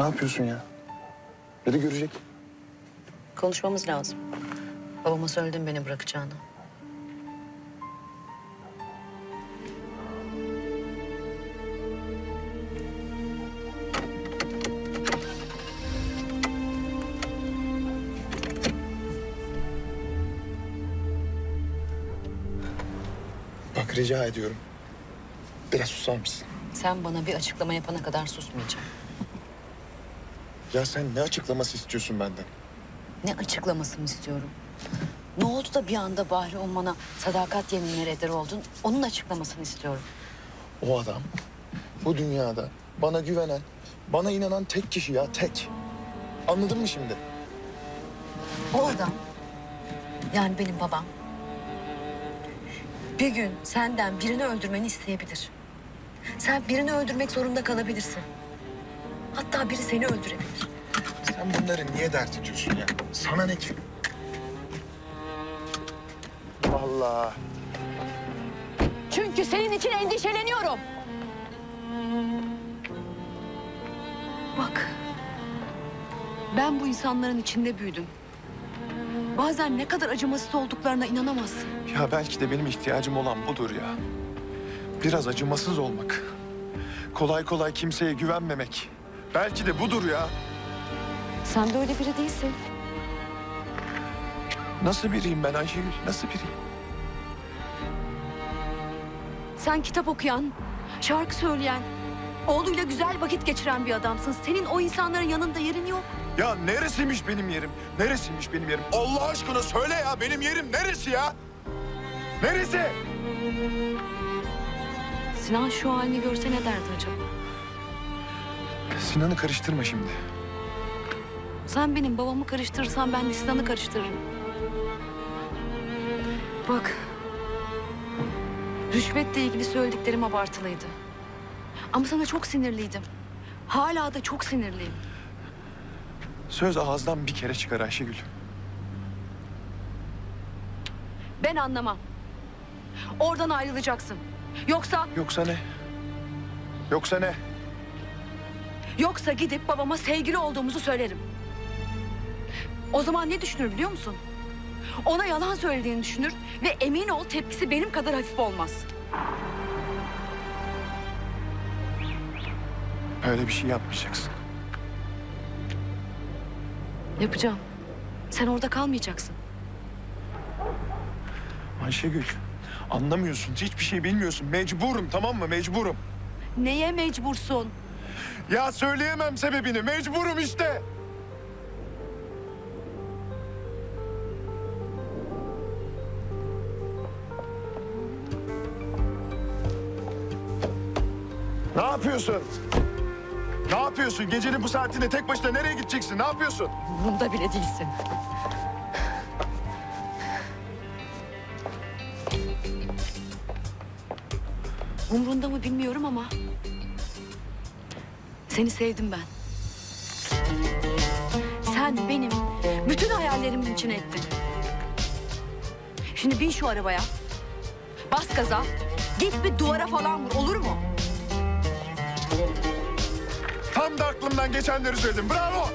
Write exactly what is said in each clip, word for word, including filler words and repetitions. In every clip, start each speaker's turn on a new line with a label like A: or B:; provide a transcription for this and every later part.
A: Ne yapıyorsun ya? Biri görecek.
B: Konuşmamız lazım. Babama söyledim beni bırakacağını.
A: Bak rica ediyorum. Biraz susar mısın?
B: Sen bana bir açıklama yapana kadar susmayacağım.
A: Ya sen ne açıklaması istiyorsun benden?
B: Ne açıklamasını istiyorum? Ne oldu da bir anda Bahri Umman'a sadakat yeminleri eder oldun? Onun açıklamasını istiyorum.
A: O adam bu dünyada bana güvenen, bana inanan tek kişi ya, tek. Anladın mı şimdi?
B: O adam, yani benim babam, bir gün senden birini öldürmeni isteyebilir. Sen birini öldürmek zorunda kalabilirsin. Hatta biri seni öldürebilir.
A: Sen bunları niye dert ediyorsun ya? Sana ne ki? Vallahi.
B: Çünkü senin için endişeleniyorum. Bak, ben bu insanların içinde büyüdüm. Bazen ne kadar acımasız olduklarına inanamazsın.
A: Ya belki de benim ihtiyacım olan budur ya. Biraz acımasız olmak. Kolay kolay kimseye güvenmemek. Belki de budur ya.
B: Sen de öyle biri değilsin.
A: Nasıl biriyim ben Ayşegül? Nasıl biriyim?
B: Sen kitap okuyan, şarkı söyleyen, oğluyla güzel vakit geçiren bir adamsın. Senin o insanların yanında yerin yok.
A: Ya neresiymiş benim yerim? Neresiymiş benim yerim? Allah aşkına söyle ya, benim yerim neresi ya? Neresi?
B: Sinan şu halini görse ne derdi acaba?
A: Sinan'ı karıştırma şimdi.
B: Sen benim babamı karıştırırsan ben de Sinan'ı karıştırırım. Bak, rüşvetle ilgili söylediklerim abartılıydı. Ama sana çok sinirliydim. Hala da çok sinirliyim.
A: Söz ağızdan bir kere çıkar Ayşegül.
B: Ben anlamam. Oradan ayrılacaksın. Yoksa,
A: Yoksa ne? Yoksa ne?
B: yoksa gidip babama sevgili olduğumuzu söylerim. O zaman ne düşünür biliyor musun? Ona yalan söylediğini düşünür ve emin ol tepkisi benim kadar hafif olmaz.
A: Öyle bir şey yapmayacaksın.
B: Yapacağım. Sen orada kalmayacaksın.
A: Ayşegül, anlamıyorsun, hiçbir şey bilmiyorsun. Mecburum, tamam mı? Mecburum.
B: Neye mecbursun?
A: Ya söyleyemem sebebini, mecburum işte. Ne yapıyorsun? Ne yapıyorsun? Gecenin bu saatinde tek başına nereye gideceksin? Ne yapıyorsun?
B: Bunda bile değilsin. Umrunda mı bilmiyorum ama seni sevdim ben. Sen benim bütün hayallerimin içine ettin. Şimdi bin şu arabaya. Bas gaza. Git bir duvara falan vur, olur mu?
A: Tam da aklımdan geçenleri söyledim. Bravo!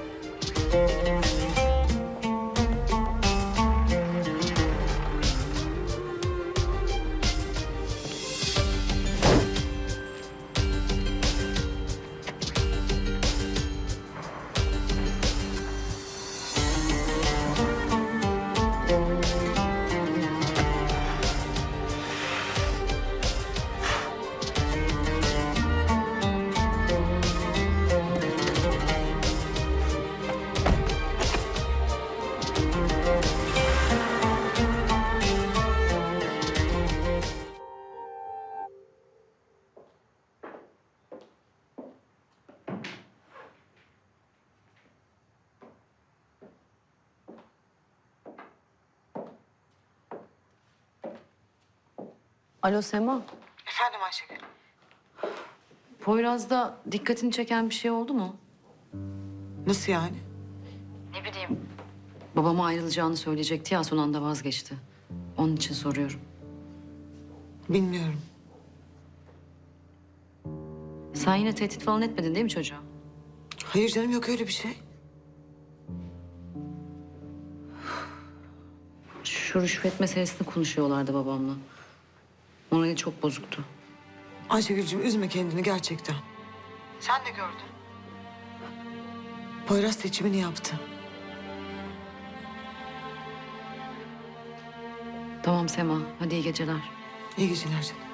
B: Alo Sema.
C: Efendim Ayşegül.
B: Poyraz'da dikkatini çeken bir şey oldu mu?
C: Nasıl yani?
B: Ne bileyim. Babama ayrılacağını söyleyecekti ya, son anda vazgeçti. Onun için soruyorum.
C: Bilmiyorum.
B: Sen yine tehdit falan etmedin değil mi çocuğa?
C: Hayır canım, yok öyle bir şey.
B: Şu rüşvet meselesini konuşuyorlardı babamla. Morali çok bozuktu.
C: Ayşegül'cüğüm üzme kendini gerçekten. Sen de gördün. Poyraz seçimini yaptı.
B: Tamam Sema, hadi iyi geceler.
C: İyi geceler canım.